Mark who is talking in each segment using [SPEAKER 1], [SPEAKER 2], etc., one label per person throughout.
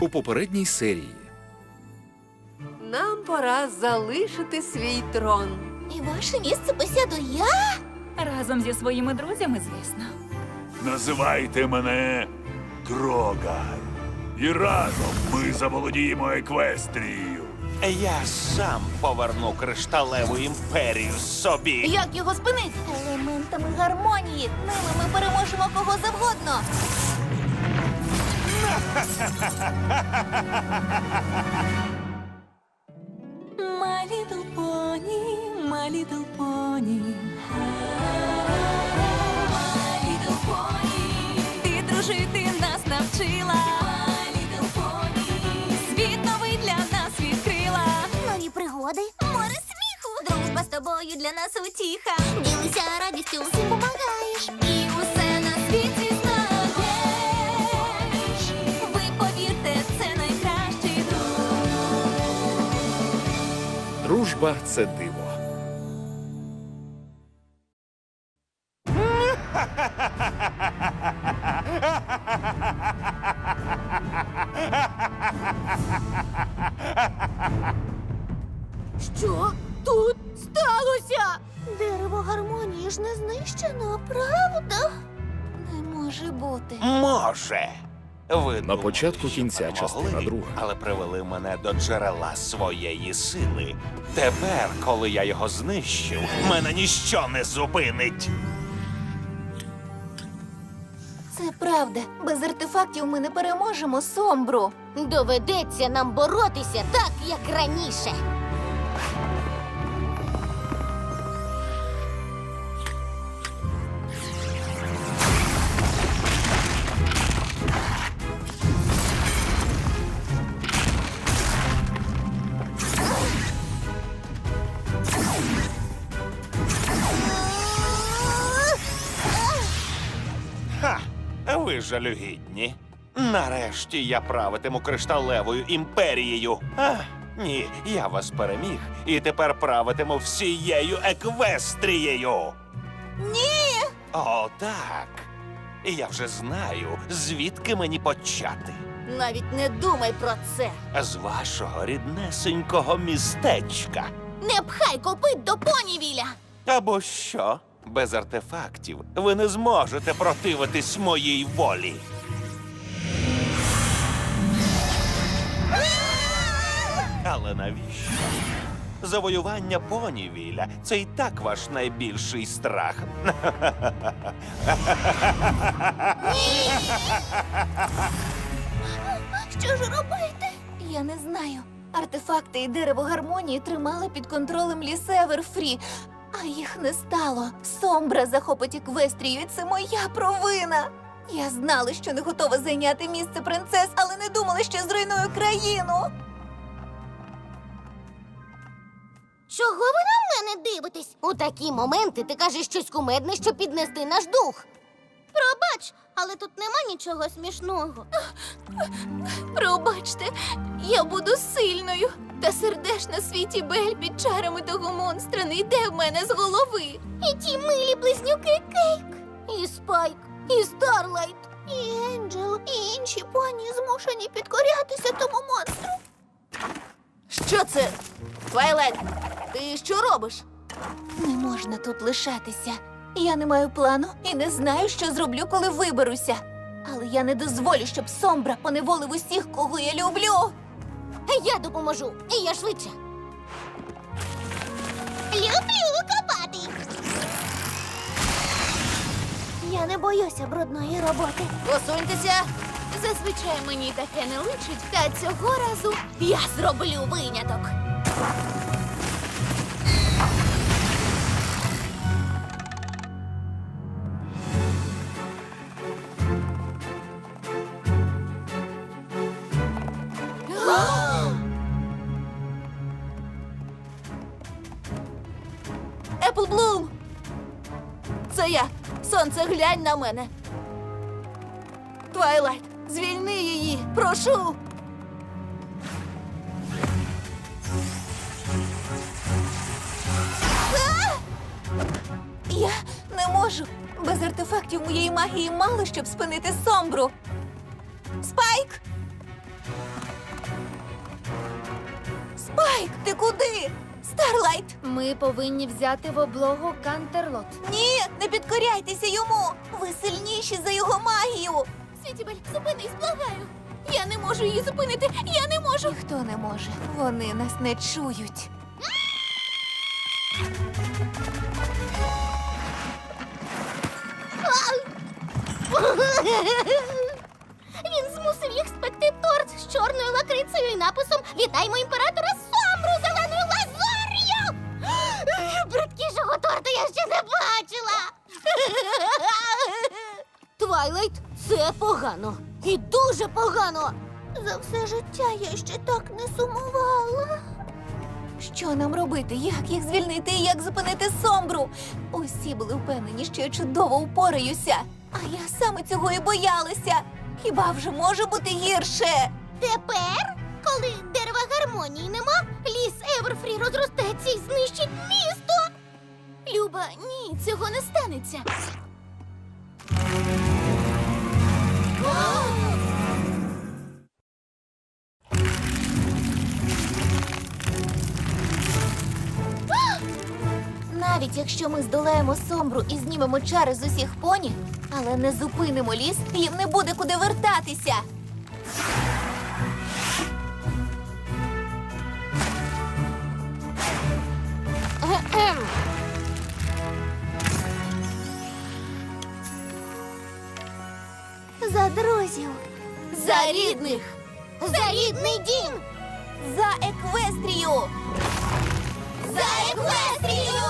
[SPEAKER 1] У попередній серії
[SPEAKER 2] Нам пора залишити свій трон.
[SPEAKER 3] І ваше місце посяду я?
[SPEAKER 4] Разом зі своїми друзями, звісно.
[SPEAKER 5] Називайте мене Дрогар. І разом ми заволодіємо Еквестрією.
[SPEAKER 6] Я сам поверну кришталеву імперію собі.
[SPEAKER 3] Як його спинити? Елементами гармонії. Ними ми переможемо кого завгодно.
[SPEAKER 4] My little pony, my little pony. My little pony. Ти дружити нас навчила. My little pony. Світ новий для нас відкрила.
[SPEAKER 3] Нові пригоди, море сміху. Дружба з тобою для нас утіха. Ділися радістю, всім помагаєш.
[SPEAKER 4] І усе на світі знаєш. Ви повірте, це найкращий друг.
[SPEAKER 1] дружба це диво.
[SPEAKER 3] Що тут сталося? Дерево гармонії ж не знищено, правда? Не може бути.
[SPEAKER 6] Може. Ви
[SPEAKER 1] На
[SPEAKER 6] думали,
[SPEAKER 1] початку
[SPEAKER 6] що
[SPEAKER 1] кінця
[SPEAKER 6] перемогли,
[SPEAKER 1] частина друга.
[SPEAKER 6] але привели мене до джерела своєї сили. Тепер, коли я його знищив, мене ніщо не зупинить.
[SPEAKER 3] Це правда. Без артефактів ми не переможемо Сомбру. Доведеться нам боротися так, як раніше.
[SPEAKER 6] Ха! Ви жалюгідні. Нарешті я правитиму кришталевою імперією. Ні, я вас переміг і тепер правитиму всією Еквестрією.
[SPEAKER 3] Ні!
[SPEAKER 6] О, так. І я вже знаю, звідки мені почати.
[SPEAKER 3] Навіть не думай про це.
[SPEAKER 6] З вашого ріднесенького містечка.
[SPEAKER 3] Не пхай копит до понівіля.
[SPEAKER 6] Або що? Без артефактів ви не зможете противитись моїй волі. Але навіщо? Завоювання понівіля – це і так ваш найбільший страх.
[SPEAKER 3] Що ж робити? Я не знаю. Артефакти і дерево гармонії тримали під контролем ліс Еверфрі, а їх не стало. Сомбра захопить Еквестрію, і це моя провина. Я знала, що не готова зайняти місце принцес, але не думала, що зруйную країну.
[SPEAKER 7] Чого ви на мене дивитесь? У такі моменти ти кажеш щось кумедне, щоб піднести наш дух. Пробач, але тут нема нічого смішного.
[SPEAKER 3] Пробачте, я буду сильною. Та сердешна світі Бель під чарами того монстра не йде в мене з голови.
[SPEAKER 7] І ті милі близнюки Кейк, і Спайк, і Старлайт,
[SPEAKER 3] І Енджел, і інші поні змушені підкорятися тому монстру. Що це? Твайлайт, ти що робиш? Не можна тут лишатися. Я не маю плану і не знаю, що зроблю, коли виберуся. Але я не дозволю, щоб Сомбра поневолив усіх, кого я люблю.
[SPEAKER 7] я допоможу, і я швидше. Люблю копати.
[SPEAKER 3] Я не боюся брудної роботи.
[SPEAKER 7] Посуньтеся. Зазвичай мені таке не личить, та цього разу я зроблю виняток.
[SPEAKER 3] Еплблум! Це я. Сонце, глянь на мене. Твайлайт, звільни її, прошу. Я не можу. Без артефактів моєї магії мало, щоб спинити Сомбру. Спайк!
[SPEAKER 4] Спайк, ти куди? Старлайт!
[SPEAKER 7] Ми повинні взяти в облогу Кантерлот.
[SPEAKER 4] Ні, не підкоряйтеся йому! Ви сильніші за його магію!
[SPEAKER 7] Світібель, зупинись, благаю. Я не можу її зупинити, я не можу.
[SPEAKER 4] Ніхто не може. Вони нас не чують.
[SPEAKER 7] Він змусив їх спекти торт з чорною лакрицею і написом «Вітаємо імператора Сомру зеленою лазур'ю!» Бридкішого торта я ще не бачила. Твайлайт, це погано. І дуже погано. За все життя я ще так не сумувала.
[SPEAKER 4] Що нам робити? Як їх звільнити і як зупинити Сомбру? Усі були впевнені, що я чудово упораюся. А я саме цього і боялася. Хіба вже може бути гірше?
[SPEAKER 7] Тепер, коли дерева гармонії нема, ліс Еверфрі розростеться і знищить місто. Люба, ні, цього не станеться.
[SPEAKER 4] Навіть якщо ми здолаємо Сомбру і знімемо чари з усіх поні, але не зупинимо ліс, їм не буде куди вертатися.
[SPEAKER 7] За друзів,
[SPEAKER 4] За рідних!
[SPEAKER 7] за рідний дім,
[SPEAKER 4] За Еквестрію!
[SPEAKER 7] за Еквестрію!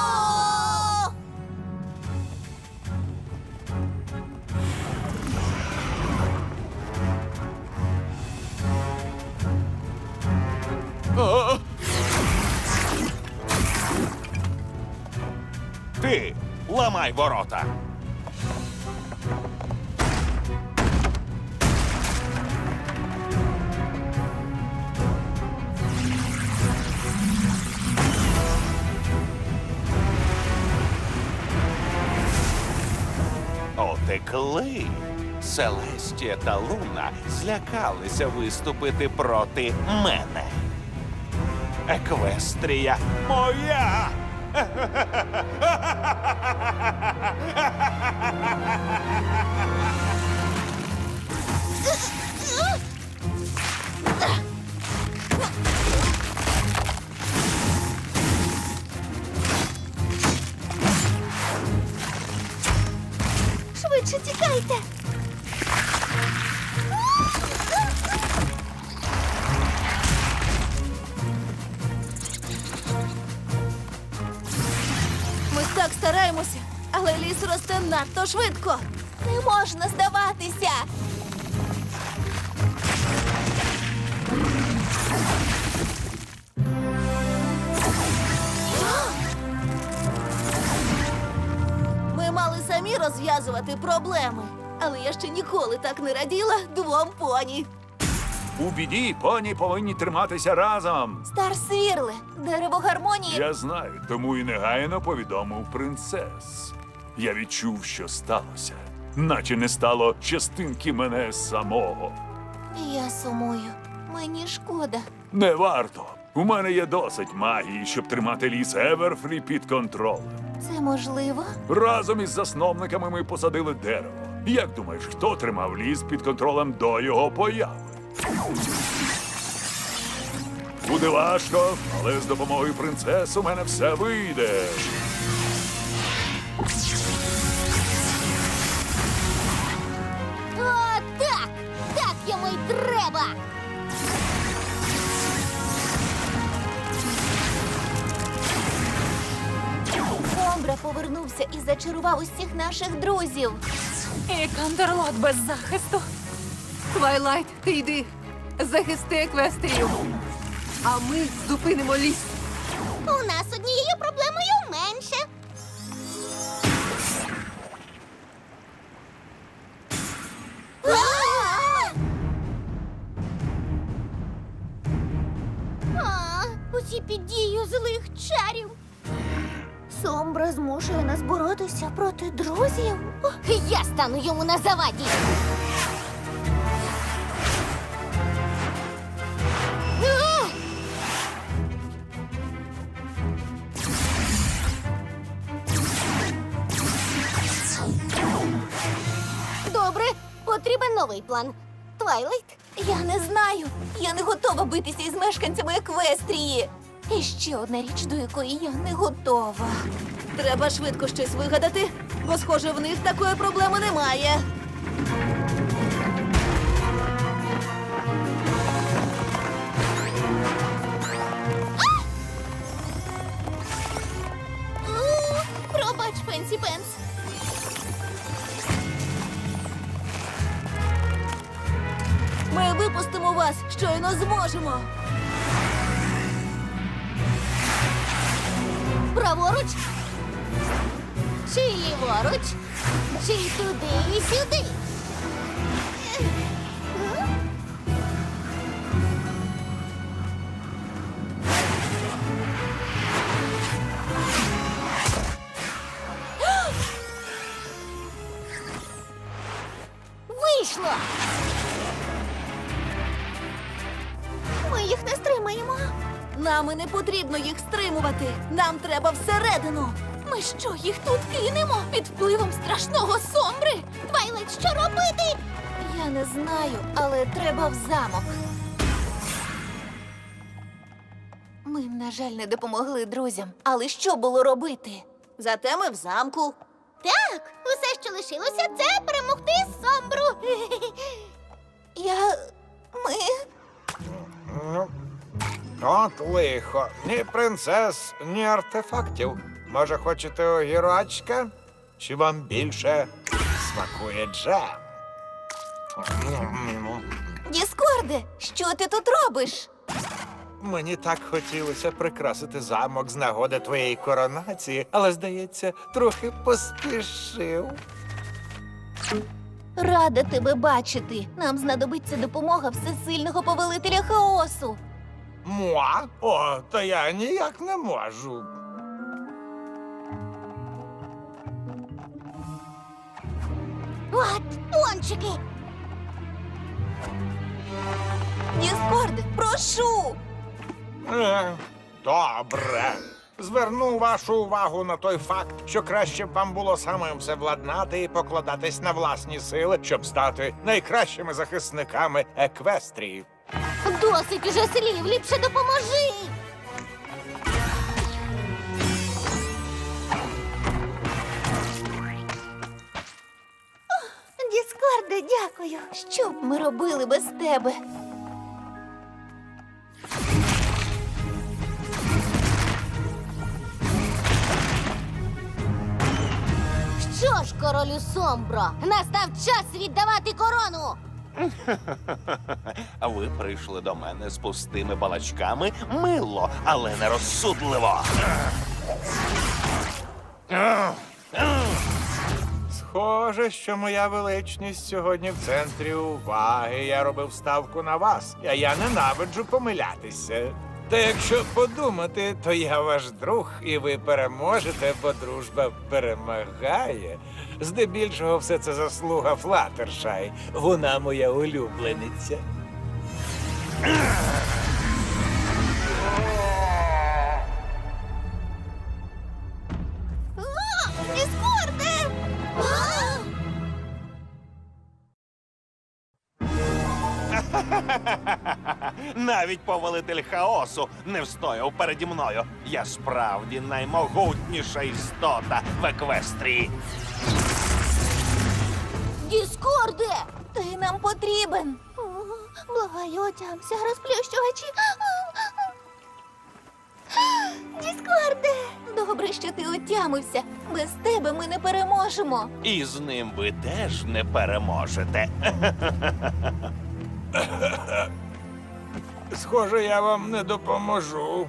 [SPEAKER 6] Ти ламай ворота. Отекли. Селестія та Луна злякалися виступити проти мене. Еквестрія моя!
[SPEAKER 7] Швидше тікайте.
[SPEAKER 4] Ми так стараємося, але ліс росте надто швидко. Не можна здаватися. Ми мали самі розв'язувати проблеми, але я ще ніколи так не раділа двом поні.
[SPEAKER 5] У біді поні повинні триматися разом.
[SPEAKER 4] Старсвірле, дерево гармонії.
[SPEAKER 5] Я знаю, тому і негайно повідомив принцес. Я відчув, що сталося, наче не стало частинки мене самого.
[SPEAKER 4] Я сумую. Мені шкода.
[SPEAKER 5] Не варто. У мене є досить магії, щоб тримати ліс Еверфрі під контролем.
[SPEAKER 4] Це можливо?
[SPEAKER 5] Разом із засновниками ми посадили дерево. Як думаєш, хто тримав ліс під контролем до його появи? Буде важко, але з допомогою принцес у мене все вийде.
[SPEAKER 7] О, так! Так йому й треба!
[SPEAKER 4] Сомбра повернувся і зачарував усіх наших друзів.
[SPEAKER 2] І Кантерлот без захисту. Твайлайт, ти йди. Захисти Еквестрію. А ми зупинимо ліс.
[SPEAKER 7] У нас однією проблемою менше. Усі під дією злих чарів. Сомбра змушує нас боротися проти друзів. Я стану йому на заваді. новий план. Твайлайт?
[SPEAKER 4] Я не знаю. Я не готова битися із мешканцями Еквестрії. І ще одна річ, до якої я не готова.
[SPEAKER 3] Треба швидко щось вигадати, бо, схоже, в них такої проблеми немає.
[SPEAKER 7] Пробач, Фенсі Пенс.
[SPEAKER 3] Ми випустимо вас, щойно зможемо.
[SPEAKER 7] Праворуч? Чи ліворуч? Чи туди і сюди? Вийшло!
[SPEAKER 3] Ми їх не стримаємо. Нам і не потрібно їх стримувати. Нам треба всередину.
[SPEAKER 4] Ми що, їх тут кинемо під впливом страшного Сомбри?
[SPEAKER 7] Твайлайт, що робити?
[SPEAKER 4] Я не знаю, але треба в замок. Ми, на жаль, не допомогли друзям. Але що було робити?
[SPEAKER 3] Зате ми в замку.
[SPEAKER 7] Так, усе, що лишилося, це перемогти Сомбру.
[SPEAKER 4] Ми...
[SPEAKER 8] От лихо. Ні принцес, ні артефактів. Може, хочете огірочка? Чи вам більше смакує джем?
[SPEAKER 4] Діскорде, що ти тут робиш?
[SPEAKER 8] Мені так хотілося прикрасити замок з нагоди твоєї коронації, але, здається, трохи поспішив.
[SPEAKER 4] Рада тебе бачити. Нам знадобиться допомога всесильного повелителя хаосу.
[SPEAKER 8] Муа? О, та я ніяк не можу.
[SPEAKER 7] От, пончики!
[SPEAKER 4] Діскорде, прошу!
[SPEAKER 8] Добре. Зверну вашу увагу на той факт, що краще б вам було самим все владнати і покладатись на власні сили, щоб стати найкращими захисниками Еквестрії.
[SPEAKER 7] Досить уже слів, ліпше допоможи!
[SPEAKER 4] Діскорде, дякую. Що б ми робили без тебе?
[SPEAKER 7] Що ж, королю Сомбро, настав час віддавати корону!
[SPEAKER 6] А ви прийшли до мене з пустими балачками? Мило, але нерозсудливо.
[SPEAKER 8] Схоже, що моя величність сьогодні в центрі уваги. Я робив ставку на вас, а я ненавиджу помилятися. Та якщо подумати, то я ваш друг, і ви переможете, бо дружба перемагає. Здебільшого все це заслуга Флаттершай. Вона моя улюблениця.
[SPEAKER 7] Діскорде!
[SPEAKER 6] Навіть повелитель хаосу не встояв переді мною. Я справді наймогутніша істота в Еквестрії.
[SPEAKER 7] Діскорде!
[SPEAKER 4] Ти нам потрібен.
[SPEAKER 3] Благаю, отямся, розплющувачі. Діскорде!
[SPEAKER 4] Добре, що ти отямився. Без тебе ми не переможемо.
[SPEAKER 6] І з ним ви теж не переможете.
[SPEAKER 8] Схоже, я вам не допоможу.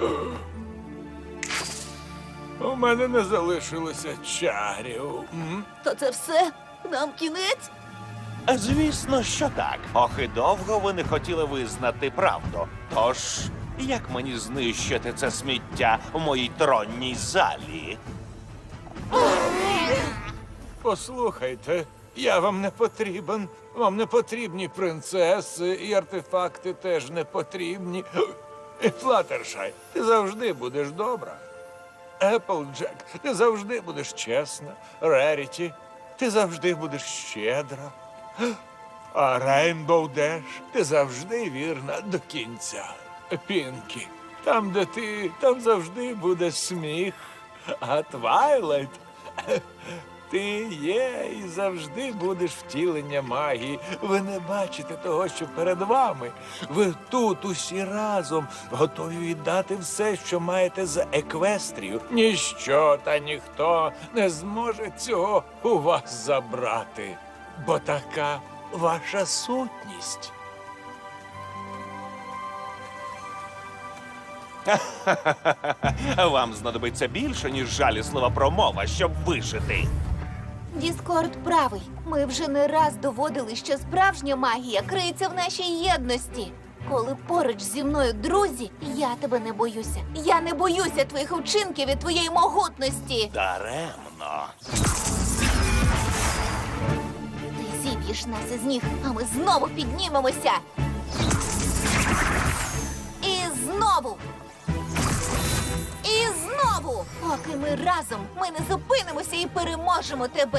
[SPEAKER 8] У мене не залишилося чарів.
[SPEAKER 3] То це все? Нам кінець?
[SPEAKER 6] Звісно, що так. Ох, і довго ви не хотіли визнати правду. Тож, як мені знищити це сміття в моїй тронній залі?
[SPEAKER 8] Послухайте, я вам не потрібен. Вам не потрібні принцеси, і артефакти теж не потрібні. І Флаттершай, ти завжди будеш добра. Еплджек, ти завжди будеш чесна. Реріті, ти завжди будеш щедра. А Рейнбоу Деш, ти завжди вірна до кінця. Пінкі, там, де ти, там завжди буде сміх. А Твайлайт, ти є і завжди будеш втілення магії. Ви не бачите того, що перед вами. Ви тут усі разом готові віддати все, що маєте за Еквестрію. Ніщо та ніхто не зможе цього у вас забрати, бо така ваша сутність.
[SPEAKER 6] Вам знадобиться більше, ніж жаліслива промова, щоб вижити.
[SPEAKER 4] Діскорд правий. Ми вже не раз доводили, що справжня магія криється в нашій єдності. Коли поруч зі мною друзі, я тебе не боюся. Я не боюся твоїх вчинків і твоєї могутності.
[SPEAKER 6] Даремно.
[SPEAKER 4] Ти зіб'єш нас із ніг, а ми знову піднімемося. І знову. І знову. Поки ми разом, ми не зупинимося і переможемо тебе.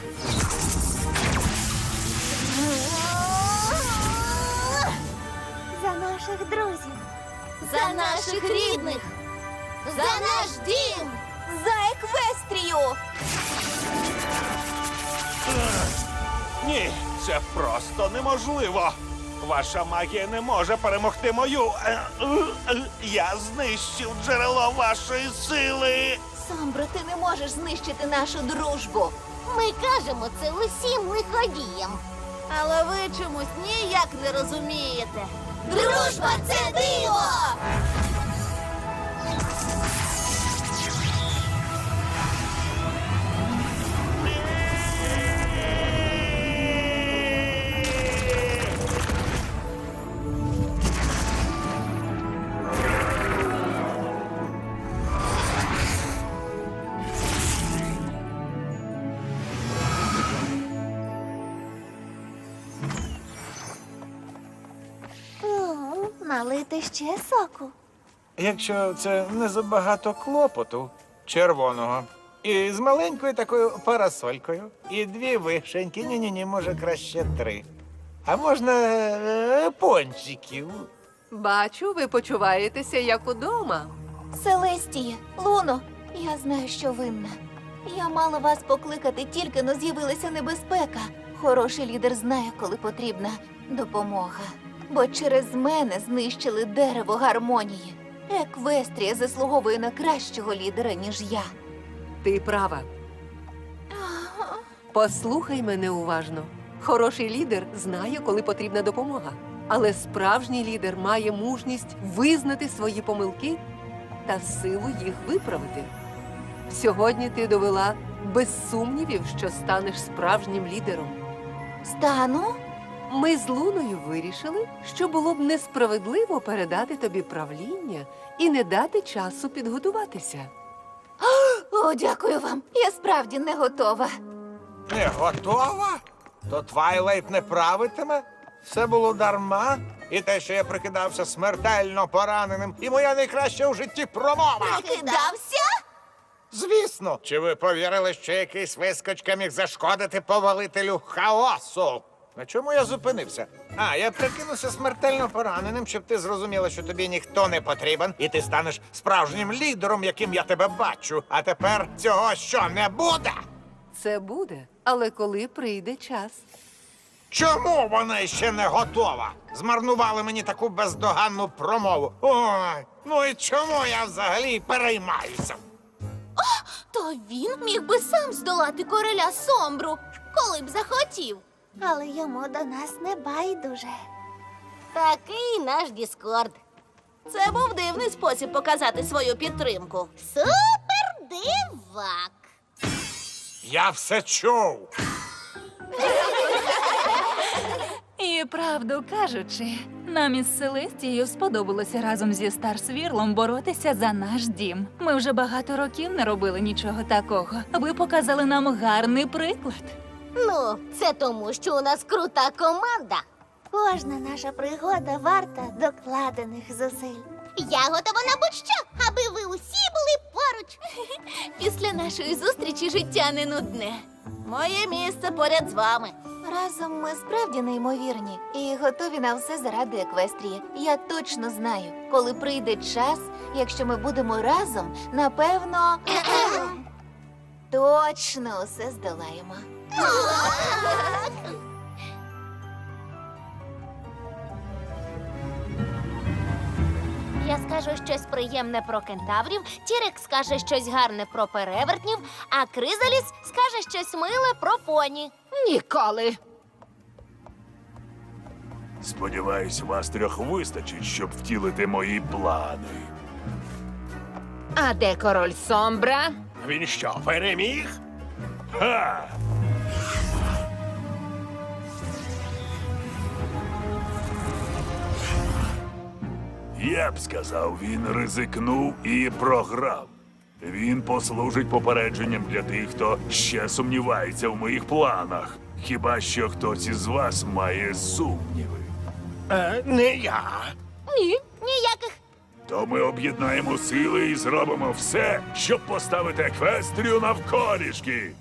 [SPEAKER 7] За наших друзів.
[SPEAKER 3] За наших рідних! За наш дім!
[SPEAKER 4] За Еквестрію!
[SPEAKER 6] Ні, це просто неможливо. Ваша магія не може перемогти мою. Я знищив джерело вашої сили.
[SPEAKER 4] Сомбро, ти не можеш знищити нашу дружбу.
[SPEAKER 7] Ми кажемо це усім лиходіям.
[SPEAKER 3] Але ви чомусь ніяк не розумієте.
[SPEAKER 4] Дружба – це диво!
[SPEAKER 7] Налити ще соку.
[SPEAKER 8] Якщо це не забагато клопоту червоного. І з маленькою такою парасолькою. І 2 вишеньки. Ні-ні-ні, може краще 3. А можна пончиків.
[SPEAKER 2] Бачу, ви почуваєтеся як удома.
[SPEAKER 4] Селестія, Луно, я знаю, що винна. Я мала вас покликати тільки, но з'явилася небезпека. Хороший лідер знає, коли потрібна допомога. Бо через мене знищили дерево гармонії. Еквестрія заслуговує на кращого лідера, ніж я.
[SPEAKER 2] Ти права. Послухай мене уважно. Хороший лідер знає, коли потрібна допомога. Але справжній лідер має мужність визнати свої помилки та силу їх виправити. Сьогодні ти довела без сумнівів, що станеш справжнім лідером.
[SPEAKER 4] Стану?
[SPEAKER 2] Ми з Луною вирішили, що було б несправедливо передати тобі правління і не дати часу підготуватися.
[SPEAKER 4] О, дякую вам. Я справді не готова.
[SPEAKER 8] Не готова? То Твайлайт не правитиме? Все було дарма? І те, що я прикидався смертельно пораненим, і моя найкраща у житті промова.
[SPEAKER 4] Прикидався?
[SPEAKER 8] Звісно. Чи ви повірили, що якийсь вискочка міг зашкодити повелителю хаосу? На чому я зупинився? Я прикинувся смертельно пораненим, щоб ти зрозуміла, що тобі ніхто не потрібен, і ти станеш справжнім лідером, яким я тебе бачу. А тепер цього що, не буде?
[SPEAKER 2] Це буде, але коли прийде час.
[SPEAKER 8] Чому вона ще не готова? Змарнували мені таку бездоганну промову. Ой, ну і чому я взагалі переймаюся?
[SPEAKER 3] То він міг би сам здолати короля Сомбру, коли б захотів.
[SPEAKER 7] Але йому до нас не байдуже. Такий наш Діскорд.
[SPEAKER 3] Це був дивний спосіб показати свою підтримку.
[SPEAKER 7] Супер дивак.
[SPEAKER 8] Я все чув.
[SPEAKER 9] І правду кажучи, нам із Селестією сподобалося разом зі Старсвірлом боротися за наш дім. Ми вже багато років не робили нічого такого. Ви показали нам гарний приклад.
[SPEAKER 7] Ну, це тому, що у нас крута команда. Кожна наша пригода варта докладених зусиль. Я готова на будь-що, аби ви усі були поруч.
[SPEAKER 4] Після нашої зустрічі життя не нудне.
[SPEAKER 3] Моє місце поряд з вами.
[SPEAKER 4] Разом ми справді неймовірні і готові на все заради Еквестрії. Я точно знаю, коли прийде час, якщо ми будемо разом, напевно, точно усе здолаємо.
[SPEAKER 7] Я скажу щось приємне про кентаврів, Тірек скаже щось гарне про перевертнів, а Кризаліс скаже щось миле про поні.
[SPEAKER 2] Ніколи.
[SPEAKER 5] Сподіваюсь, вас трьох вистачить, щоб втілити мої плани.
[SPEAKER 2] А де король Сомбра?
[SPEAKER 1] Він що, переміг?
[SPEAKER 5] Ха! Я б сказав, він ризикнув і програв. Він послужить попередженням для тих, хто ще сумнівається в моїх планах. Хіба що хтось із вас має сумніви.
[SPEAKER 1] Не я.
[SPEAKER 7] Ні, ніяких.
[SPEAKER 5] То ми об'єднаємо сили і зробимо все, щоб поставити Еквестрію навколішки.